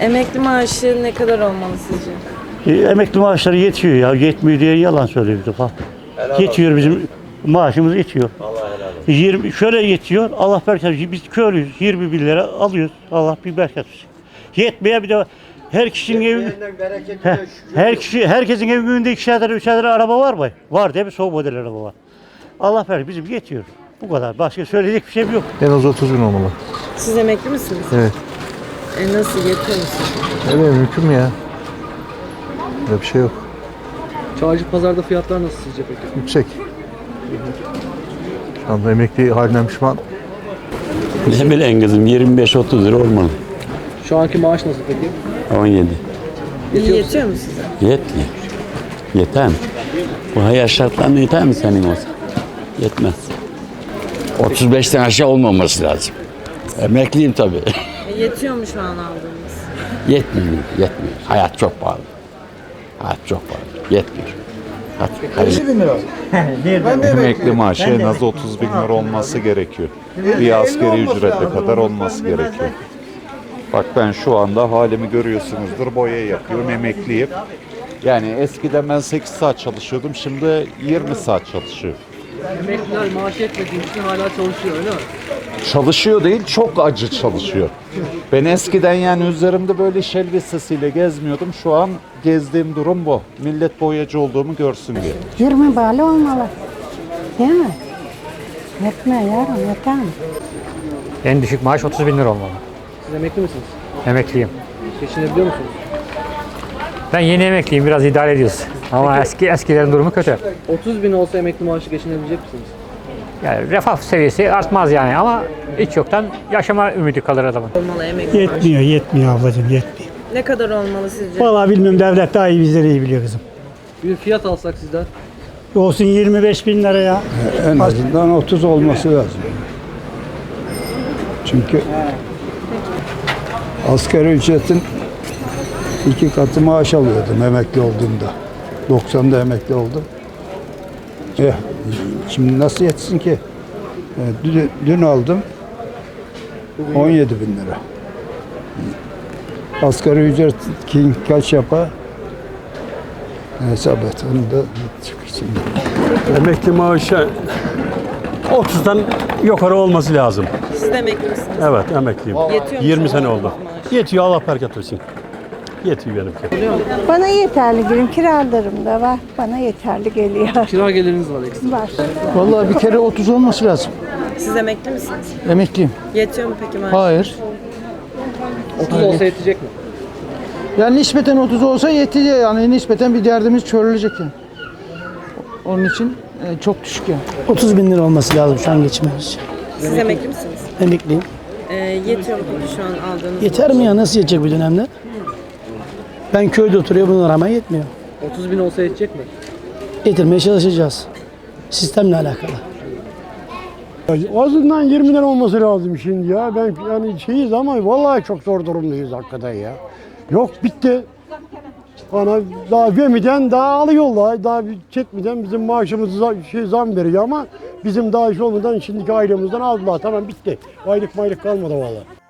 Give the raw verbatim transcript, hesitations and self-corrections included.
Emekli maaşı ne kadar olmalı sizce? E, emekli maaşları yetiyor ya. Yetmiyor diye yalan söylüyor bir defa. Helal yetiyor olsun. Bizim maaşımız yetiyor. Allah helal olsun. yirmi, şöyle yetiyor. Allah bereket versin. Biz köylüyüz. yirmi bin lira alıyoruz. Allah bir bereket versin. Yetmeye bir de her kişinin evi, he, her kişi, herkesin evinde ikişer tane, üçer tane araba var mı? Var değil mi? Son model araba var. Allah bereket bizim yetiyor. Bu kadar. Başka söyleyecek bir şey yok. En az otuz bin olmalı. Siz emekli misiniz? Evet. E nasıl, yetiyor mu size? Öyle mümkün mü ya? Böyle bir şey yok. Çağcı pazarda fiyatlar nasıl sizce peki? Yüksek. Şu anda emekli halinden pişman. Ne bileyim kızım, yirmi beş otuz lira olmalı. Şu anki maaş nasıl peki? on yedi. Yetiyor, yetiyor mu size? Yetmiyor. Yeter mi? Bu hayat şartlarına yeter mi senin olsa? Yetmez. otuz beşten aşağı olmaması lazım. Emekliyim tabii. E yetiyor mu şu an aldığınız? Yetmiyor, yetmiyor. Hayat çok pahalı. Hayat çok pahalı. Yetmiyor. Emekli maaşı en az otuz bin lira olması gerekiyor. Bir asgari ücrete kadar olması gerekiyor. Bak ben şu anda halimi görüyorsunuzdur, boya yapıyorum, emekliyim. Yani eskiden ben sekiz saat çalışıyordum, şimdi yirmi saat çalışıyorum. Emekliler maaş yetmediği için hala çalışıyor öyle mi? Çalışıyor değil, çok acı çalışıyor. Ben eskiden yani üzerimde böyle iş elbisesiyle gezmiyordum. Şu an gezdiğim durum bu. Millet boyacı olduğumu görsün diye. yirmi bağlı olmalı. Değil mi? Yetme yavrum, yeter mi? En düşük maaş otuz bin lira olmalı. Siz emekli misiniz? Emekliyim. Geçinebiliyor musunuz? Ben yeni emekliyim, biraz idare ediyoruz. Ama eski eskilerin durumu kötü. otuz bin olsa emekli maaşı geçinebilecek misiniz? Yani refah seviyesi artmaz yani ama hiç yoktan yaşama ümidi kalır adamın. Olmalı emekli maaşı. Yetmiyor, yetmiyor ablacığım, yetmiyor. Ne kadar olmalı sizce? Vallahi bilmiyorum, devlet daha iyi bizleri iyi biliyor kızım. Bir fiyat alsak sizden. Olsun yirmi beş bin lira ya. En azından otuz olması lazım. Çünkü asgari ücretin iki katı maaş alıyordum emekli olduğumda. doksanda emekli oldum. Eh, şimdi nasıl yetsin ki? Eh, dün, dün aldım on yedi bin lira. Asgari ücret kim kaç yapar? Hesap et. Onu da çık şimdi. Emekli maaşı otuzdan yukarı olması lazım. Siz de emekli misiniz? Evet, emekliyim. Yetiyor mu yirmi şu an sene oldu. maaş? Yetiyor, Allah bereket versin. Yetiyor benimki. Bana yeterli gelirim, kiralarım da var. Bana yeterli geliyor. Kira geliriniz var ekstra. Var. Vallahi bir kere otuz olması lazım. Siz emekli misiniz? Emekliyim. Yetiyor mu peki maaş? Hayır. otuz olsa yetecek mi? Yani nispeten otuz olsa yetiyor yani. Nispeten bir derdimiz çözülecek yani. Onun için e, çok düşük yani. otuz bin lira olması lazım şu an geçmemiz için. Siz emekli misiniz? Emekliyim. E, yetiyor mu peki şu an aldığınız Yeter mi ya? Nasıl yetecek bu dönemde? Ben köyde oturuyorum, bunlar ama yetmiyor. otuz bin olsa yetecek mi? Getirmeye çalışacağız. Sistemle alakalı. Azından yirmi lira olması lazım şimdi ya. Ben yani şeyiz ama vallahi çok zor durumdayız hakikaten ya. Yok bitti. Bana daha vermeden daha alıyorlar. Daha bir çekmeden bizim maaşımızı za- şey zam veriyor ama bizim daha iş olmadan şimdiki aylığımızdan aldılar. Tamam bitti. Aylık maylık kalmadı vallahi.